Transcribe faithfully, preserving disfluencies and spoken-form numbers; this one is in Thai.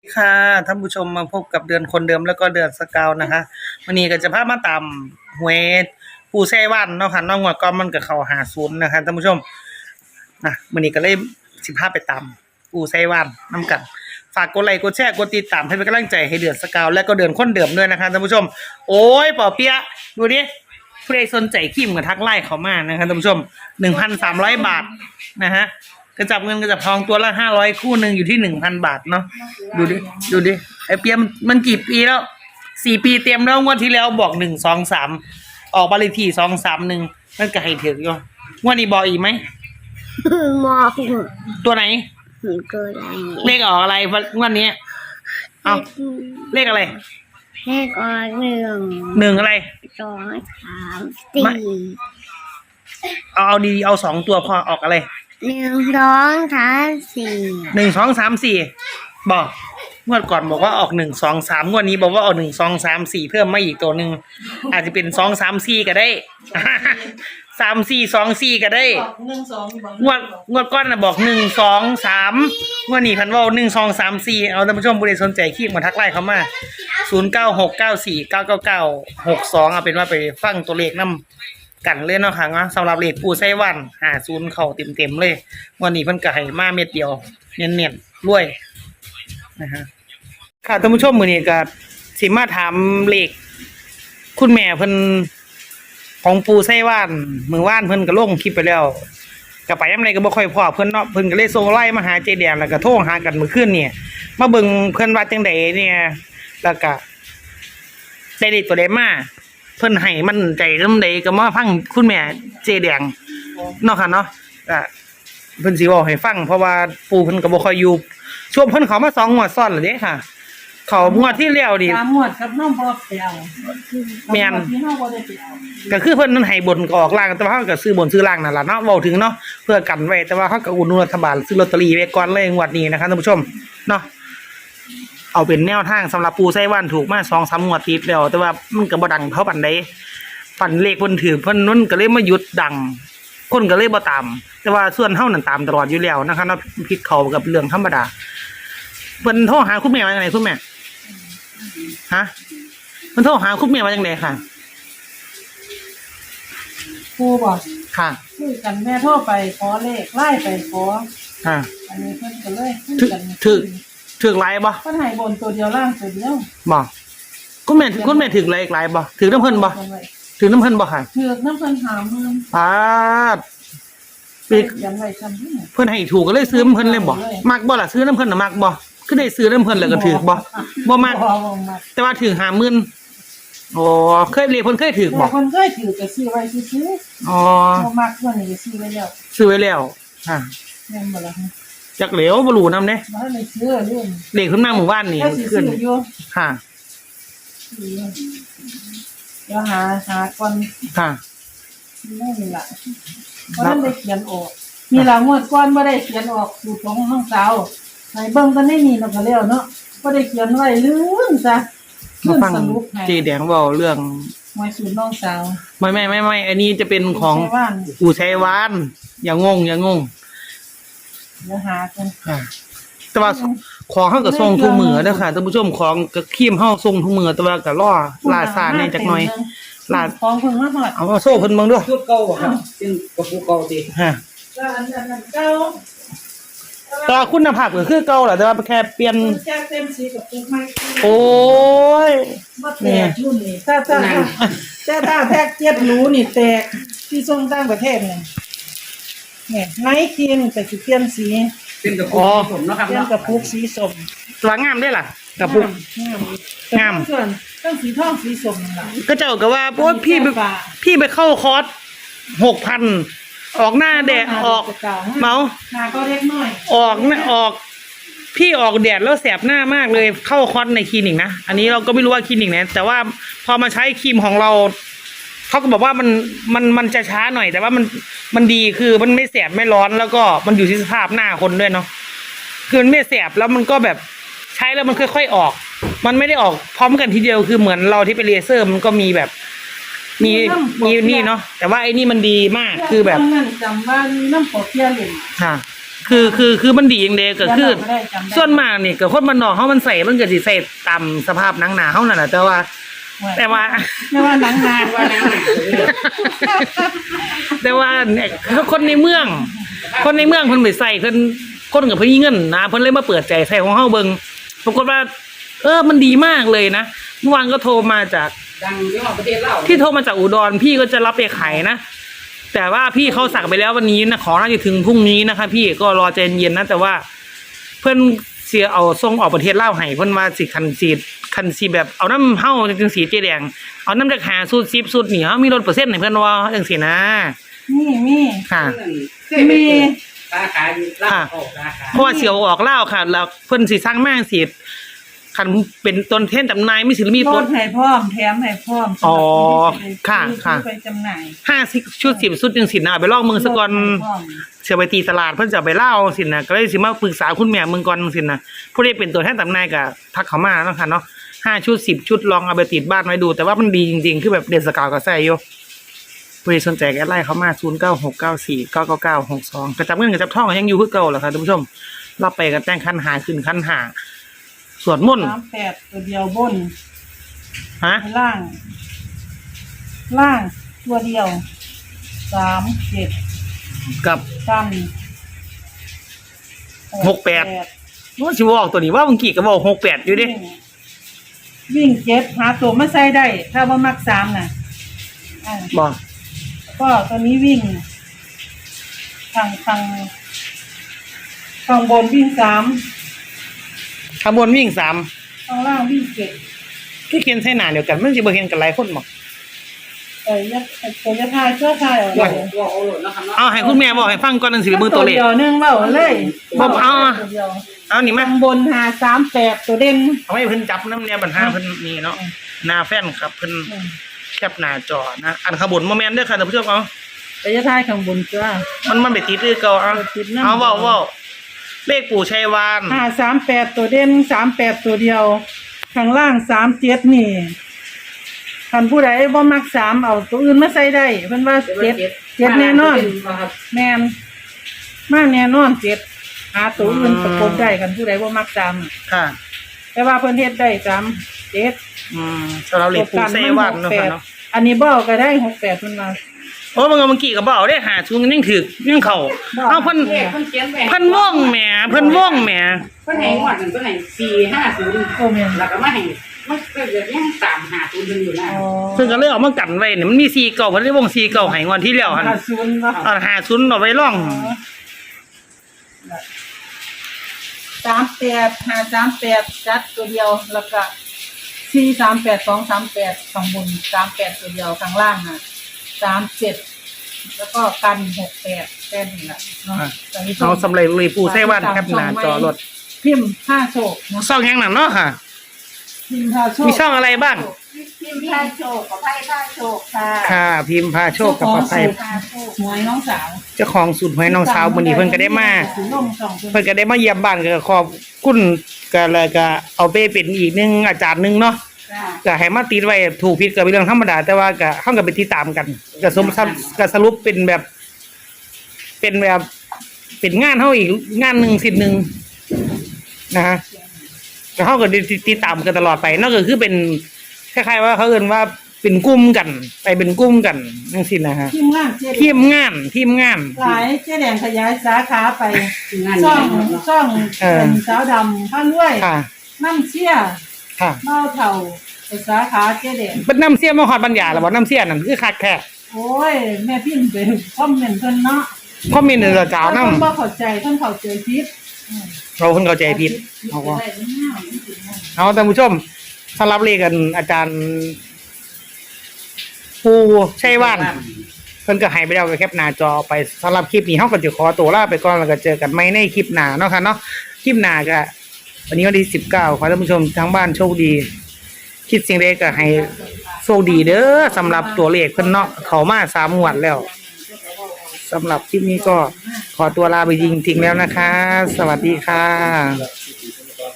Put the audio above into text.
ค่ะท่านผู้ชมมาพบกับเดือนคนเดิมแล้วก็เดือนสกาวนะคะวันนี้ก็จะพามาตามหวยปูแซ่วันเนาะค่ะน้องหัวก็มันกับเขาหาศูนย์นะคะท่านผู้ชมนะวันนี้ก็เลยสิบห้าไปตามปูแซ่วันน้ำกันฝากกดไลค์กดแชร์กดติดตามให้เป็นกำลังใจให้เดือนสกาวและก็เดือนคนเดิมด้วยนะคะท่านผู้ชมโอ้ยป่อเปียะดูดิผู้ใดสนใจขีมกับทักไล่เขามานะคะท่านผู้ชมหนึ่งพันสามร้อยบาทนะฮะกระจับเงินกระจับทองตัวละห้าร้อยคู่หนึ่งอยู่ที่หนึ่งพันบาทเนาะดูดิดูดิไอเปียมมันกี่ปีแล้วสี่ปีเต็มแล้วงวดที่แล้วบอกหนึ่งสองสามออกบาลีทีสองสามหนึ่งมันก็ให้ถึงอยู่งวดนี้บอกอีกไหมมอตัวไหนตัวไหนเลขออกอะไรงวดนี้เอาเลขอะไรเลขออกหนึ่งหนึ่งอะไรสองสามสี่เอาเอาดีเอาสองตัวพอออกอะไรหนึ่งสองสามสี่หนึ่งสองสามสี่บอกงวดก่อนบอกว่าออกหนึ่งสองสามงวดนี้บอกว่าออกหนึ่งสองสามสี่เพิ่มมาอีกตัวหนึ่งอาจจะเป็นสองสามสี่ก็ได้สามสี่สองสี่ก็ได้งวดงวดก้อนนะบอกหนึ่งสองสามงวดนี้พันว่าหนึ่งสองสามสี่เอาท่านผู้ชมผู้ใดสนใจคลิกมาทักไลน์เขามาศูนย์เก้าหกเก้าสี่เก้าเก้าเก้าหกสองเอาเป็นว่าไปฟังตัวเลขน้ำกันเลยเนาะค่ะเนาะสำหรับเลขปูไส้วันหาศูนย์เข่าเต็มเต็มเลยวันนี้เพิ่นก็ให้มาเม็ดเดียวเนียนเนียนรวยนะฮะค่ะท่านผู้ชมมื้อนี้ก็สิมาถามเลขคุณแม่เพิ่นของปูไส้วันมื้อวานเพิ่นก็ลงคลิปไปแล้วก็ไปยามใดก็บ่ค่อยพอเพิ่นเนาะเพิ่นก็เลยส่งไลน์มาหาเจแดงแล้วก็โทรหากันเมื่อคืนนี่มาเบิ่งเพิ่นว่าจังไดเนี่ยแล้วก็ได้เลขตัวใดมาเพิ่นให้มันใจลำใดก็มาฟังคุณแม่เจแดงเนาะค่ะเนาะก็เพิ่นสิเว้าให้ฟังเพราะว่าปู่เพิ่นก็บ่ค่อยอยู่ช่วงเพิ่นเข้ามาสองงวดซ้อนแล้วเด้ค่ะเขางวดที่แล้วนี่สามงวดครับน้องบ่ไปเอาแม่นที่น้องบ่ได้ไปเอาก็คือเพิ่นนั้นให้บนก็ออกล่างแต่ว่าเฮาก็ซื้อบนซื้อล่างนั่นล่ะเนาะเว้าถึงเนาะเพื่อกันไว้แต่ว่าเฮาก็อุดหนุนรัฐบาลซื้อลอตเตอรี่ไว้ก่อนเลยงวดนี้นะคะท่านผู้ชมเนาะเอาเป็นแนวทางสำหรับปูไส้วันถูกมา สองสาม งวดติดแล้วแต่ว่ามันก็บ่ดังเท่าปานใดฝันเลขเพิ่นถือเพิ่นนั้นก็เลยมาหยุดดังคนก็เลยบ่ตามแต่ว่าส่วนเฮานั่นตามตลอดอยู่แล้วนะคะเนาะผิดเขากับเรื่องธรรมดาเพิ่นโทรหาคุณแม่ว่าจังได๋คุณแม่ฮะเพิ่นโทรหาคุณแม่ว่าจังได๋ค่ะครูบอกค่ะคุยกันแม่โทรไปขอเลขไล่ไปขอค่ะอันนี้เพิ่นก็เลยคุยกันถึกถึกหลายบ่เพิ่นให้บนตัวเดียวล่างตัวเดียวบ่คุณแม่คุณแม่ถึกหลายหลายบ่ถึกนำเพิ่นบ่ถึกนำเพิ่นบ่ค่ะถึกนำเพิ่นหาหมื่นปาดปีกยังไว้จำที่เพิ่นให้ถูกก็เลยซื้อนำเพิ่นเลยบ่มักบ่ล่ะซื้อนำเพิ่นน่ะมักบ่คือได้ซื้อนำเพิ่นแล้วก็ถึกบ่บ่มักแต่ว่าถึกห้าหมื่นอ๋อเคยเรียกเพิ่นเคยถึกบ่เพิ่นเคยถือก็ซื้อไว้ซื่อๆอ๋อบ่มักเพิ่นนี่ซื้อไว้แล้วซื้อไว้แล้วค่ะแม่นบ่ล่ะจักเหลวบ่รู้นำเด้บ่ได้ซื้อเรื่องเลขเพิ่นมาหมู่บ้านนี่ขึ้นค่ะเดี๋ยวหาหาก่อนค่ะนี่ล่ะบ่ได้เขียนออกนี่ล่ะงวดก่อนบ่ได้เขียนออกสูตรของน้องสาวให้เบิ่งกันได้นี่แล้วก็แล้วเนาะบ่ได้เขียนไว้ลืมซะมาฟังเจแดงเว้าเรื่องหวยสูตรน้องสาวไม่ๆๆๆอันนี้จะเป็นของอู่ชัยวานอย่างงงอย่างงงเดี๋ยวหากันค่ะแต่ว่าของเฮาก็ส่งทุกมื้อเด้อค่ะท่านผู้ชมของก็ครีมเฮาส่งทุกมื้อแต่ว่าก็รอล่าช้าแน่จักหน่อยล่าของเพิ่นมาฮอดเอาโซ่เพิ่นเบิ่งด้วยชุดเก่าบ่ครับเป็นกระปุกเก่าติฮะก็อันนั้นเก่าแต่คุณภาพก็คือเก่าแหละแต่ว่าแค่เปลี่ยนแค่เต็มสีกับปุ๊กใหม่โอ้ยบ่แตกรุ่นนี่ถ้าถ้าแต่ถ้าแพ็คเจ็ดหรูนี่แตกที่ส่งต่างประเทศนี่เนี่ยไนท์ครีมแต่สิเปลี่ยนสีเป็นกระปุกสีส้มเนาะครับเปลี่ยนกระปุกสีส้มสวยงามได้ล่ะกระปุกงามส่วนต้องสีทองสีส้มนั่นล่ะก็เจ้าก็ว่าโอ๊ยพี่พี่ไปเข้าคอร์ส หกพัน ออกหน้าแดดออกเมาหน้าก็เล็กน้อยออกออกพี่ออกแดดแล้วแสบหน้ามากเลยเข้าคอร์สในคลินิกนะอันนี้เราก็ไม่รู้ว่าคลินิกไหนแต่ว่าพอมาใช้ครีมของเราเขาก็บอกว่ามันมันมันจะช้าหน่อยแต่ว่ามันมันดีคือมันไม่แสบไม่ร้อนแล้วก็มันอยู่ที่สภาพหน้าคนด้วยเนาะคือมันไม่แสบแล้วมันก็แบบใช้แล้วมันค่อยๆออกมันไม่ได้ออกพร้อมกันทีเดียวคือเหมือนเราที่ไปเลเซอร์มันก็มีแบบมีมีนี่เนาะแต่ว่าไอ้นี่มันดีมากคือแบบนั่นจำว่าน้ำปอเปียเหล่มค่ะคือคือคือมันดีอย่างเดียวก็คือไม่ได้จำได้ส่วนมากนี่ก็คนมันนอกเขามันใส่มันก็สิใส่ตามสภาพหนังหนาเขานั่นแหละแต่ว่า แต่ว่าไม่ว่าหนังนานว่าน้ำหนักเลยแต่ว่าเนี่ยคนในเมือง คนในเมืองเพิ่นไปใส่เพิ่นคนกับเพิ่นมีเงินนะเพิ่นเลยมาเปิดใจใส่ของเฮาเบิ่งปรากฏว่า เออมันดีมากเลยนะเมื่อวานก็โทรมาจากดังเรื่องประเทศเราที่โทรมาจากอุดรพี่ก็จะรับไปขายนะแต่ว่าพี่เขาสั่งไปแล้ววันนี้นะขอน่าจะถึงพรุ่งนี้นะคะพี่ก็รอใจเย็นๆนะแต่ว่า เพิ่นเสียเอาส่งออกประเทศลาวให้เพิ่นว่าสิคันสีคันสีแบบเอาน้ำเฮาจังสีเจแดงเอาน้ำจากหาสูตรสิบสูตรนี่เฮามีลดเปอร์เซ็นต์ให้เพิ่นว่าจังซี่นะมีมีค่ะมีสาขาอยู่ลาวออกสาขาเพราะว่าเสียวออกลาวค่ะ แล้วเพิ่นสิสร้างมาจังซี่คันเป็นต้นเทนจำหน่ายมีสิมีลลดดให้พร้อมแถมให้พร้อมอ๋อสำหรับนที่จค่ะค่ะไปจำหน่ายห้าสิบชุดสิบชุดจังซี่นะเอาไปลองเมืองซะก่อนลดให้พร้อมเสียไปตีตลาดเพิ่นจะเอาไปเล่าสินะก็เลยสิมาปรึกษาคุณแม่เมืองก่อนสินะผู้ที่เป็นตัวแทนจำหน่ายก็ทักเขามาเนาะค่ะเนาะห้าชุดสิบชุดลองเอาไปติดบ้านไว้ดู แต่ว่ามันดีจริงๆคือแบบเดนสกาวก็ใส่อยู่ผู้ที่สนใจก็ไล่เขามาศูนย์เก้าหกเก้าสี่เก้าเก้าเก้าหกสองกระจับเงินกระจับทองก็ยังอยู่คือเก่าแหละค่ะท่านผู้ชมรับไปกันแต่งคันหาขึ้นคันหาสวดมนต์สามแปดตัวเดียวบนฮะล่าง ล่างตัวเดียวสามเจ็ดกับกันหกแปด ว่าชิวออกตัวนี้ว่าเมื่อกี้ก็บอกหกแปดอยู่ดิวิ่งวิ่งเจ็ดหาตัวมาใส่ได้ ถ้าว่ามักสามน่ะอ่าบอกก็ตอนนี้วิ่งทางทางทางบนวิ่งสามขบวนวิ่งสามทางล่างวิ่งเจ็ดที่เขียนใส่หนาเดียวกันมันจะบ่เห็นกันหลายคนบอกแต่ยัดแต่ยัดทายเชื่อทายเอาตัวเลยตัวเอาหล่นนะครับเนาะเอาให้คุณแม่บอกให้ฟังก่อนหนังสือมือตัวเลขเดียวหนึงเบ้าเลยบอกเอาอะตัวดียวเอานี่มาทางบนหาสามแปดตัวเด่นเอาให้เพิ่นจับน้ำเนี่ยปัญหาเพิ่นนี่เนาะหน้าแฟนครับเพิ่นแคปหน้าจอนะอันขางบวนโมเมนต์เด้อค่ะท่านผู้ชมเอาแต่ยัดทายข้างบนจ้ามันมันไปติดคือเก่าเอาติดนำเอาเว้าเว้าเลขปู่ชัยวานหาสามแปดตัวเด่นสามแปดตัวเดียวข้างล่างสามเจ็ดนี่คันผู้ใดบ่มักสามเอาตัวอื่นมาใส่ได้เพิ่นว่าเจ็ดเจ็ดแน่นอนครับแมนมาแน่นอนเจ็ดหาตัวอื่นประกบได้กันผู้ใดบ่มักสามค่ะแต่ว่าเพิ่นเฮ็ดได้สามเจ็ดอืมสำหรับเลขปู่ชัยวานเนาะค่ะเนาะอันนี้บ่ก็ได้หกแปดเพิ่นว่าโอ้บางเมื่อกี้ก็บ่เอาได้หาชุนกันยังถึกยังเข้าเอาเพิ่นเลขเพิ่นเขียนไว้เพิ่นว่องแหมเพิ่นว่องแหมเพิ่นให้งวดหนึ่งเพิ่นให้สี่ห้าศูนย์โอ้แม่นแล้วก็มาให้มันก็จะยังตามหาศูนย์เพิ่นอยู่นะอ๋อเพิ่นก็เลยเอามากันไว้เนี่ยมันมีสี่เก่าเพิ่นได้วงสี่เก่าให้งวดที่แล้วหั่นห้าศูนย์เนาะเอาหาชุนเอาไว้ร่องสามแปดห้าสามแปดจัดตัวเดียวแล้วก็สี่สามแปดสองสามแปดข้างบนสามแปดตัวเดียวข้างล่างน่ะสามเจ็ดแล้วก็กันหกแปดแค่นี้ล่ะเนาะตอนนี้เอาสำเร็จเลยปู่ใช้ว่านแคปหน้าจอรถพิมพ์ห้าโชคเนาะช่องยังนั่นเนาะค่ะพิมพ์ห้าโชคมีช่องอะไรบ้างพิมพ์ห้าโชคกับไพ่ห้าโชคค่ะค่ะ พิมพ์พาโชคกับปลาไทยห้าโชคหวยน้องสาวเจ้าของสูตรหวยน้องสาวมื้อนี้เพิ่นก็ได้มาสีลงสองเพิ่นเพิ่นก็ได้มาเยี่ยมบ้านก็ขอบคุณก็เลยก็เอาไปเป็นอีกหนึงอาจารย์หนึงเนาะจ้าก็ให้มาติดไว้ถูกผิดก็เป็นเรื่องธรรมดาแต่ว่าก็เฮาก็ไปติดตามกันก็สมก็สรุปเป็นแบบ เป็นแบบเป็นงานเฮาอีกงานหนึงสิ่งหนึงนะฮะก็เฮาก็ได้ติดตามกันตลอดไปนั่นก็คือเป็นคล้ายๆว่าเขาเอิ้นว่าเป็นกลุ่มกัน ไปเป็นกลุ่มกันจังซี่นะฮะทีมงานเจ๊ทีมงานทีมงานหลายเจ๊แดงขยายสาขาไปงานช่องนี้เนาะช่องเออเป็นสาวดำผ้ารวยค่ะน้ำเชี่ยค่ะเมาเถ่าไปสาขาเจ๊แดงเป็นน้ำเสียมาฮอดบรรยาแล้วบ่น้ำเสียนั่นคือคักแท้โอ้ย แม่พิมพ์ไปคอมเมนต์เพิ่นเนาะคอมเมนต์เด้อจ้าวนำเพิ่นบ่เข้าใจเพิ่นเข้าใจผิดอืมเราเพิ่นเข้าใจผิดเอาเอาว่าได้ง่ายๆจริงๆเอาท่านผู้ชมสำหรับเลขกันอาจารย์ปูชัยวานเพิ่นก็ให้ไปแล้วก็แคปหน้าจอไปสำหรับคลิปนี้เฮาก็จะขอตัวลาไปก่อนแล้วก็เจอกันใหม่ในคลิปหน้าเนาะค่ะเนาะคลิปหน้าก็วันนี้วันที่สิบเก้าขอให้ท่านผู้ชมทั้งบ้านโชคดี คิดสิ่งใดก็ให้โชคดีเด้อสำหรับตัวเลขเพิ่นเนาะเข้ามาสามงวดแล้วสำหรับคลิปนี้ก็ขอตัวลาไปจริงๆแล้วนะคะ สวัสดีค่ะ